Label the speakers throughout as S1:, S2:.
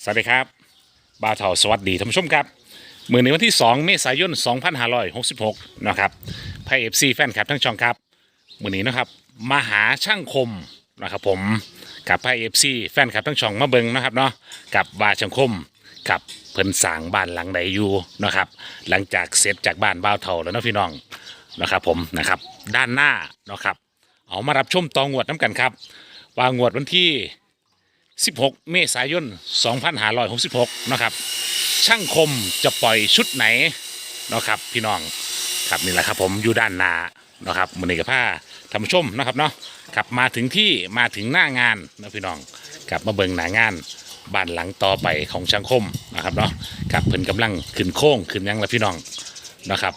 S1: สวัสดีครับบ่าวเถาสวัสดีท่านผู้ชมครับมื้อในวันที่2เมษายน2566นะครับไพเอฟซีแฟนคลับทั้งช่องครับมื้อนี้นะครับมาหาช่างคมนะครับผมกับไพเอฟซีแฟนคลับทั้งช่องมาเบิงนะครับเนาะกับว่าช่างคมกับเพิ่นสร้างบ้านหลังใดอยู่นะครับหลังจากเสร็จจากบ้านบ่าวเถาแล้วเนาะพี่น้องนะครับผมนะครับด้านหน้านะครับเอามารับชมตองวดน้ำกันครับว่างวดวันที่16 เมษายน 2566นะครับช่างคมจะปล่อยชุดไหนนะครับพี่น้องครับนี่แหละครับผมอยู่ด้านหน้านะครับมือนี้กับผ้าท่านผู้ชมนะครับเนาะครับมาถึงที่มาถึงหน้างานนะพี่น้องกับมาเบิ่งหน้างานบ้านหลังต่อไปของช่างคมนะครับเนาะกับเพิ่นกำลังขึ้นโค้งขึ้นยังแล้วพี่น้องนะครับ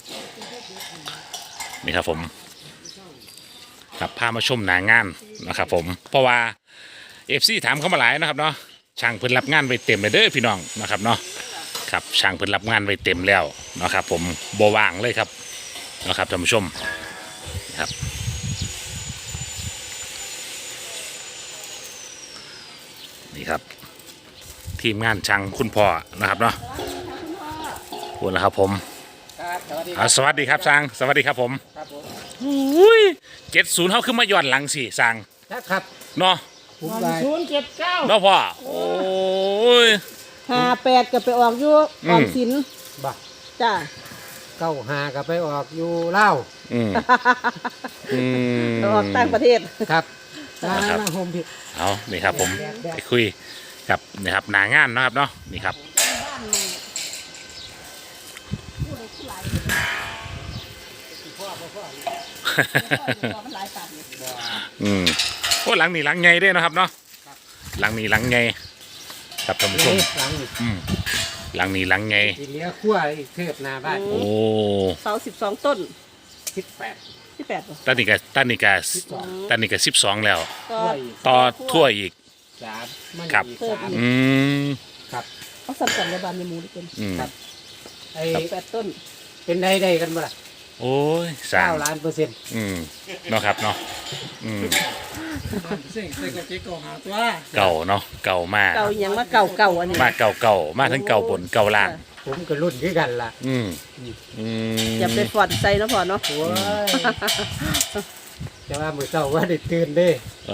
S1: นี่ครับผมครับพามาชมหน้างานนะครับผมเพราะว่าFC ถามเข้ามาหลายนะครับเนาะช่างเพิ่นรับงานไว้เต็มเลยเด้อพี่น้องนะครับเนาะครับช่างเพิ่นรับงานไว้เต็มแล้วนะครับผมบ่ว่างเลยครับนะครับท่านผู้ชมครับนี่ครับทีมงานช่างคุณพ่อนะครับเนาะขอบคุณนะครับผมสวัสดีครับช่างสวัสดีครับผมอุ้ย70เฮาขึ้นมาย้อนหลังสิช่าง
S2: ครับ
S1: เนาะ
S2: 079
S1: เนาะพ่อโอ้ย
S3: 58ก็ไปออกอยู่ออมสิน
S2: บ่
S3: จ้า
S2: 95ก็ไปออกอยู่ลาว
S3: ไปออกต่างประเทศ
S2: ครับมาโฮมพิษ
S1: เอานี่ครับผมไปคุยกับนี่ครับหนางานนะครับเนาะนี่ครับโอ้หลังนี้หลังไงด้วยนะครับเนาะหลังนี้หลังไงครับท่านผู้ชมหลังนี้หลังไง
S2: เลี้ยขั้วอีกเทพนาบ้าน
S1: โอ้
S3: เสา12ต้น
S2: 18
S3: ป่ะ
S1: ตันนี่ก็12แล้ว
S3: ก็
S1: ต่อทั่วอีก
S2: 3
S1: ครับ
S2: ครับ
S3: เอาสั่นกันในบ้านในหมู่นี่เป็น
S2: ครับไอ้
S3: 8ต้น
S2: เป็นได้กันบ่ล่ะ
S1: โอ้ย
S2: 9 ล้านเปอร์เซ็นต์
S1: เนาะครับเนาะเก่าเนาะเก่ามาก
S3: เก่ายังมาเก่าอันนี้
S1: มาเก่ามาทั้งเก่าบนเก่าล่าง
S2: ผมก็รุ่นคือกันล่ะ
S3: อย่าไปฟอดใจนะพ่อเนาะ
S2: จะว่ามื้อเช้าว่าได้ตื่นเด้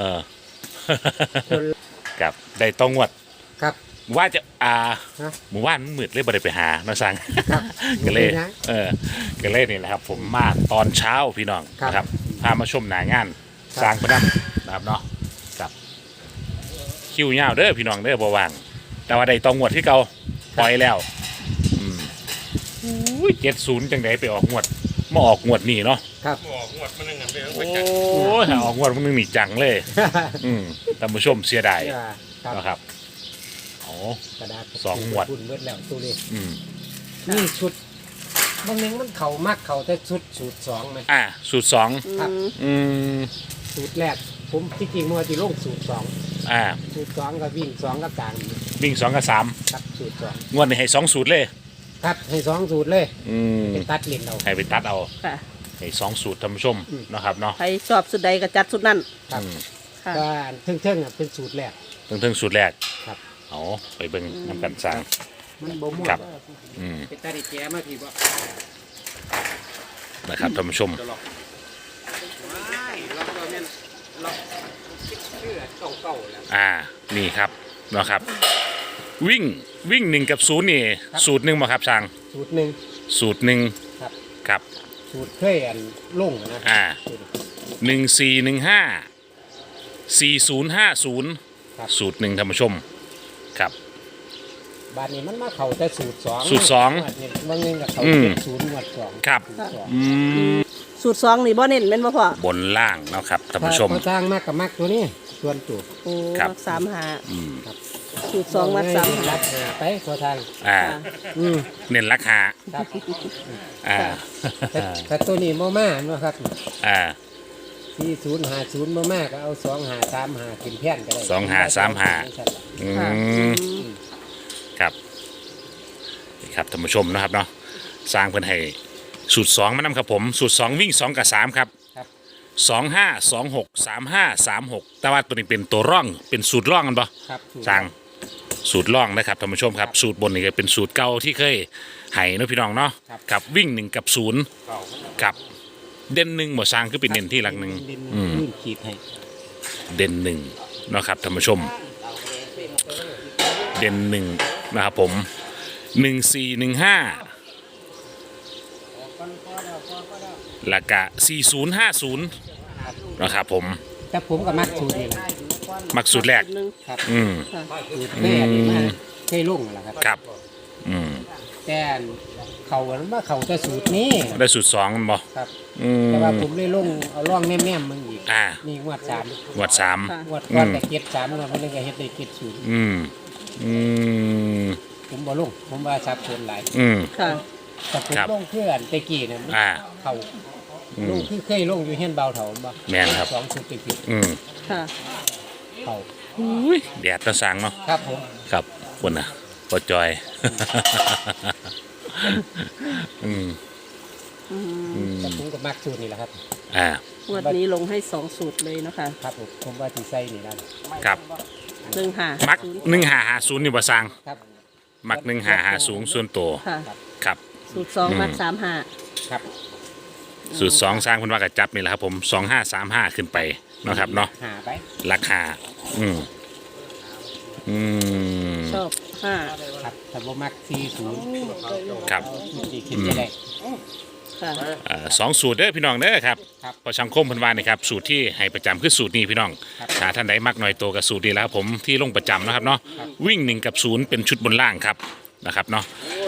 S1: กับได้ต้องงวด
S2: ครับ
S1: ว่าจะหมู่บ้านมืดเลยบ่ได้ไปหาเนาะสั่งก็เลยก็เลยนี่แหละครับผมมาตอนเช้าพี่น้องนะครับพามาชมหน้างานสร้างประดับนะครับเนาะกับคิวยาวเด้อพี่น้องเด้อบ่ว่างแต่ว่าได้ต้องงวดที่เก่าปล่อยแล้ว70จังไดไปออกงวดมาออกงวดนี่เนาะ
S2: ครับ
S1: ออกงวดมันนึงกันโอ้ยออกงวดมันนึงนี่จังเลยท่านผู้ชมเสียดายนะครับ
S2: กระดาษ
S1: 2งวด
S2: บุญเบิดแล้วตัวนี้นี่ชุดบางนึงมันเข่ามักเข่าแต่สูตร2มั้ย
S1: สูตร2
S2: ครับสูตรแรกผมที่จริงมันสิลงสูตร2สูตร2ก็วิ่ง2กับ3
S1: วิ่ง2กับ3
S2: ครับสูตร2
S1: งวดนี้ให้2สูตรเลย
S2: ครับให้2สูตรเลยไปตัดเล่นเอา
S1: ให้ไปตัดเอาให้2สูตรท่านผู้ชมนะครับเนาะ
S3: ใครชอบสุดใดก็จัดสุดนั้น
S2: ครับก็เทิงๆเป็นสูตรแรก
S1: เทิงสูตรแรก
S2: ครับ
S1: เอาไปเบิ่งน้ำกันสร้าง
S2: มันบ่ม่วนไปตัดแกมาพี่บ่
S1: นะครับท่านผู้ชมนี่ครับนะครับวิ่ง1กับ0นี่สูตร1บ่ครับช่าง
S2: สูตร1ครับ
S1: ครับ
S2: สูตรเคยลงนะ
S1: 14154050สูตร1ท่านผู้ชมครับ
S2: บาดนี้มันมาเข้าแต่สูตร2บางนึงก็เข้า70งวด2
S1: ครับ
S3: สูตร2นี่บ่เน้นแม่นบ่พ่อบ
S1: นล่างเนาะครับท่านผู้ชม
S2: สร้างมากกับมักตัวนี้ส่วนตัว
S3: มัก35ครับสูตร2มัก35
S2: รักหาไปขอทาง
S1: เน้นราคา
S2: ครับแต่ตัวนี้บ่มาเนาะครับ4050บ่มาก็เอา2535กินแผ่นก็ได้
S1: 2535ครับครับท่านผู้ชมนะครับเนาะสร้างเพิ่นให้สูตร2มานำครับผมสูตร2วิ่ง2กับ3ครับ25263536แต่ว่าตัวนี้เป็นตัวร่องเป็นสูตรร่องกันบ่
S2: ครับ
S1: สร้างสูตรล่องนะครับท่านผู้ชมครับสูตรบนนี่ก็เป็นสูตรเก่าที่เคยให้เนาะพี่น้องเนาะกับวิ่ง1กับ0กับเด่น1บ่สร้างคือเป็นเด่นที่หลักหนึ่ง
S2: ลื่นขีดให้
S1: เด่น1เนาะครับท่านผู้ชมเด่น1นะครับผม1415แล้วก็4050นะครับผม
S2: แต่ผมก็มักสูตรนี่แหละ
S1: มักสูตรแรก
S3: หนึ่ง
S2: ครับ
S1: อืม
S3: ค่ะ
S2: สูตรแม่นี่มาเคยลงแหละครับ
S1: ครับอืม
S2: แต่เขาว่าเขาจะสูตรนี้
S1: ได้สูตร2มันบ่
S2: ครับ
S1: อืม
S2: แต่ว่าผมเลยลงเอาล่องแม่ๆมึงอีก
S1: อ่า
S2: นี่งวดสาม
S1: งวด
S3: ค่ะ
S2: งวดก้อนแต่เก็ดสามงวดมันเลยก็เฮ็ดได้เก็ดศูนย์
S1: 3อืมอืม
S2: ผมบ่ลงผมว่าสับสนหลาย
S1: อืม
S3: ค่ะ
S2: แต่ผม
S1: ครับ
S2: ลงเพื่อนตะกี้เนี่ยมัน
S1: อ่า
S2: เขา
S1: อืม
S2: ลงคือเคยลงอยู่เฮียนเบาเถาบ่
S1: แม่นครับ
S2: สองชุดติด
S1: อืม
S3: ค่ะ
S2: ๆเขา
S1: อุ้ยแดดตะสังเนาะ
S2: ครับผม
S1: ครับคนน่ะปอจอย อืม
S3: อืม
S1: อืม
S2: แต่ผมก็มักสูตรนี่แหละครับ
S1: อ่าง
S3: วดนี้ลงให้2สูตรเลยเนาะคะ
S2: ครับผมว่าที่ใส่นี่นั่น
S1: ครับ
S3: 1
S1: มัก1550นี่บ่สร้าง
S2: ครับ
S1: มัก1550ส่วนตัว
S3: ค่ะ
S1: ครับ
S3: สูตร2มัก35
S2: ครับ
S1: สูตร2สร้างเพิ่นว่าก็จับนี่แหละครับผม2535ขึ้นไปเนาะครับเนาะ
S2: หาไป
S1: ราคาอืมอืม
S3: ชอบ5
S2: ครับถ้าบ่มัก40
S1: ครับ
S2: สิคิดจะได้
S3: ค่ะ
S1: สองสูตรเด้อพี่น้องเด้อครับ
S2: ครับ
S1: พอชังคมเพันวานี่ครับสูตรที่ให้ประจำคือสูตรนี้พี่น้อง
S2: ครับ
S1: ถ้าท่านใดมักหน่อยโตกับสูตรนี้แล้วครับผมที่ลงประจำนะครับเนาะวิ่ง1กับ0เป็นชุดบนล่างครับนะครับเนาะ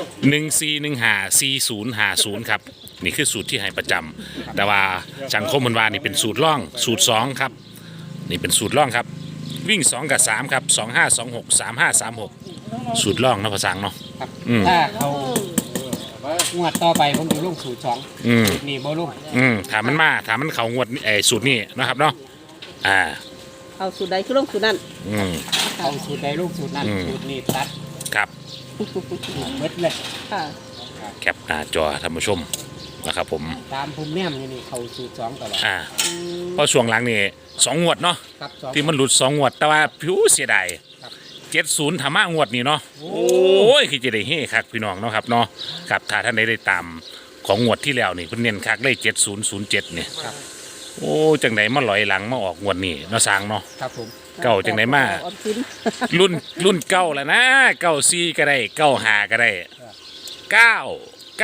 S1: 14154050ครับนี่คือสูตรที่ให้ประจำแต่ว่าชังคมเพันวานี่เป็นสูตรล่องสูตร2ครับนี่เป็นสูตรล่องครับวิ่ง2กับ3ครับ2526 3536สูตรล่องเนาะภาษาเนาะ
S2: ครับ
S1: อืม
S2: ถ้าเขางวดต่อไปผมจะลงสูตร2
S1: อืม
S2: สูตรนี้บ่ลง
S1: ถามมันมาถามมันเขางวดสูตรนี้นะครับเนาะอ่า
S3: เอาสูตรใดคือลงสูตรนั้น
S1: อืม
S2: เอาสูตรใดลูกสูตรนั้น
S1: อืม
S2: สูตรนี้ตัด
S1: ครับ
S2: เบิดเลย
S3: ค่ะ
S1: แคปหน้าจอท่านผู้ชมนะครับผม
S2: ตามภูมิแนมนี่เขาสูตร2ตลอด
S1: อ่าเพราะช่วงหลังนี่2งวดเนาะ
S2: ครับ2
S1: ที่มันหลุด2งวดแต่ว่าผิวเสียดาย
S2: ครับ
S1: 70ธรรมะงวดนี้เนาะโอ้ยคือจะได้เฮ้คักพี่น้องเนาะครับเนาะครับถ้าท่านได้ตามของงวดที่แล้วนี่เพิ่นเน้นคักเลย7007นี่
S2: ครับ
S1: โอ้จังไดมาลอยหลังมาออกงวดนี้เนาะสร้างเนาะ
S2: ครับผม
S1: เก่าจังไหนมา
S3: ออมสิน
S1: รุ่นเก่าแล้วนะ94ก็ได้95ก็ได้99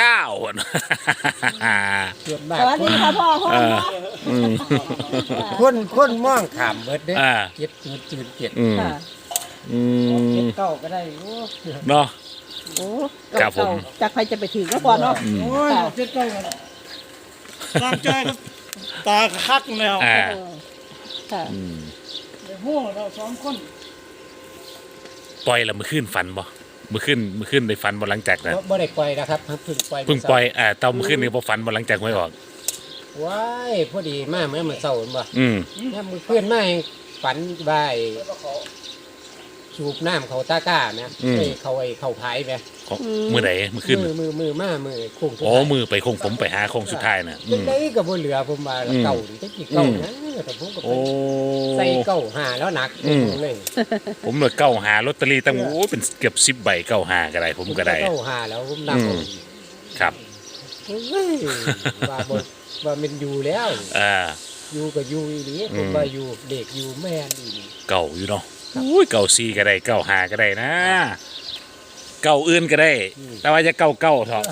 S2: ส่วนมา
S3: ส
S2: ก
S3: วัสดีค่ะพ่อพ่อ
S1: เอออืม
S2: คนมองขามเบิดเด้
S1: อ่า
S2: 707
S1: อืม
S3: ค่ะ
S1: อืม
S2: เก้าก็ได้โอ้
S1: เนาะ
S3: โอ้
S1: ครับผม
S3: จากใครจะไปถึงก็พอเนาะ
S2: โอ้ย
S3: ค่ะ
S2: 7 9
S4: ตามใจครับตาคักแล้ว
S1: อ่า
S3: เออค่ะ
S1: อืม
S4: หัวเราสองคน
S1: ปล่อยแล้วมือขึ้นฟันบ่มือขึ้นได้ฟันบ่หลังจากนั้น
S2: บ่ได้ปล่อยนะครับเพิ่งปล่อย
S1: เพิ่งปล่อยเตามือขึ้นนี่บ่ฟันบ่หลังจากหวยออก
S2: ว้ายพอดีมาเมื่อมื้อเช้าเห็นบ่
S1: อืม
S2: เนี่ยมือเพื่อนมาให้ฝันว่าไอ้สูบน้ำเขาตาก้านะเอ้ยเขาพายไหม
S1: ของมือไหนมือขึ้น
S2: มือมามือโค้งสุด
S1: โอ้
S2: ท้าย
S1: มือไปคงผมไปหาโค้งสุดท้ายน่ะอื
S2: จัง
S1: ม
S2: ได้กับบ่เหลือผมว่า
S1: อืม
S2: เก่าดิจักกี่เก่านะแต่ผมก็ไป
S1: โอ้
S2: ใส่เก่าหาแล้วหนัก
S1: อืม
S2: เลย
S1: ผมเลยเก้าหาลอตเตอรี่ตั้งโอ้เป็นเกือบ10 ใบเก้าหาก็ได้ผมก็ได้
S2: เก่าหาแล้วผมนำ
S1: อืม ครับ
S2: เฮ้ยว่าบ่ว่ามันอยู่แล้ว อยู่ก็อยู่อีหลีผมว่าอยู่เด็กอยู่แม่นอีหลี
S1: เก่าอยู่เนาะอุ้ยเก่าซีก็ได้เก่าหาก็ได้นะ เก่าอื่นก็ได้ แต่ว่าจะเก่าเก่าเถอะ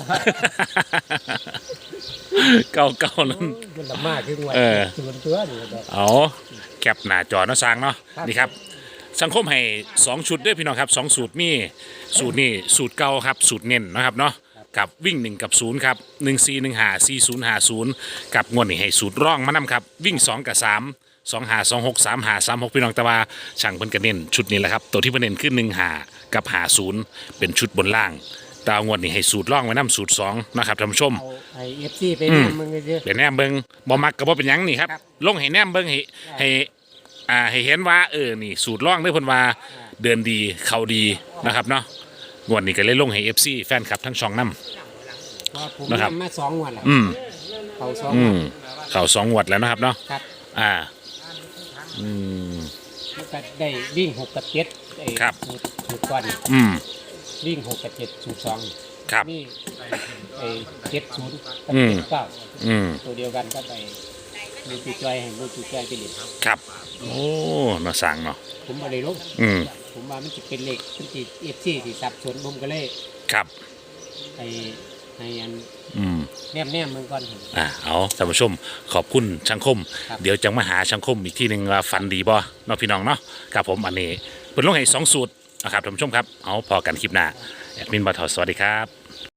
S1: เก่าเก่านั้น
S2: มันละมากคือว่า
S1: เออ
S2: ส่วนตัวนี่แบบ
S1: เอาแคปหน้าจอเนาะสร้างเนาะ
S2: ครับ
S1: นี่ครับ สังคมให้2ชุดด้วยพี่น้องครับ2สูตรมีสูตรนี่สูตรเก่าครับสูตรเน้นนะครับเนาะกับวิ่ง1กับ0ครับ14154050กับงวดนี่ให้สูตรร่องมานำครับวิ่ง2กับ3 2526 3536พี่น้องแต่ว่าช่างเพิ่นก็เน้นชุดนี้แหละครับตัวที่เพิ่นเน้นคือ15กับ50เป็นชุดบนล่างแตว่างวดนี้ให้สูตรร่องไว้นํสูตร2นะครับท่านผู้ชม
S2: เอาไอ้ FC ไปเนี่ยมึงก็เยอะ
S1: เป็นแนมเบิงบ่มักก็บ่เป็นหยังนี่ครับ
S2: ครับ
S1: ลงให้แนมเบิงให้ให้เห็นว่านี่สูตรร่องเด้อเพิ่นว่าเดินดีเข้าดีนะครับเนาะงวดนี้ก็เลยลงให้ FC แฟนคลับทั้งช่องนํ
S2: เพราะผม
S1: นะครับ
S2: ทำมา2 งวดแล้ว
S1: อืม
S2: เขา2
S1: อื
S2: งว
S1: ม
S2: ด
S1: เข้า2งวดแล้วนะครับเนาะ
S2: ครับ
S1: อ่าอืม
S2: มันก็ได้วิ่ง6 กับ 7ไอ้
S1: ครับ
S2: สูตรก่อน
S1: อืม
S2: วิ่ง6 กับ 7สูตร2
S1: ครับ
S2: นี่ไอ้70กับ
S1: อืม
S2: 79
S1: อืม
S2: ตัวเดียวกันก็ไปมูจูจอยให้มูจูจอยไปเล่น
S1: ครับโอ้เนาะสั่งเนาะ
S2: ผมบ่ได้ลง
S1: อืม
S2: ผมว่ามันจะเป็นเลขมันสิ FC สิสับสนผมก็เลย
S1: ครับ
S2: ให้อัน
S1: อืม
S2: แนมมันก่อน
S1: เอาท่านผู้ชมขอบคุณช่างคม
S2: ครับ
S1: เดี๋ยวจะมาหาช่างคมอีกที่หนึ่งว่าฟันดีบ่เนาะพี่น้องเนาะครับผมอันนี้เพิ่นลงให้2 สูตรนะครับท่านผู้ชมครับเอาพอกันคลิปหน้าแอดมินบ่าวเฒ่าสวัสดีครับ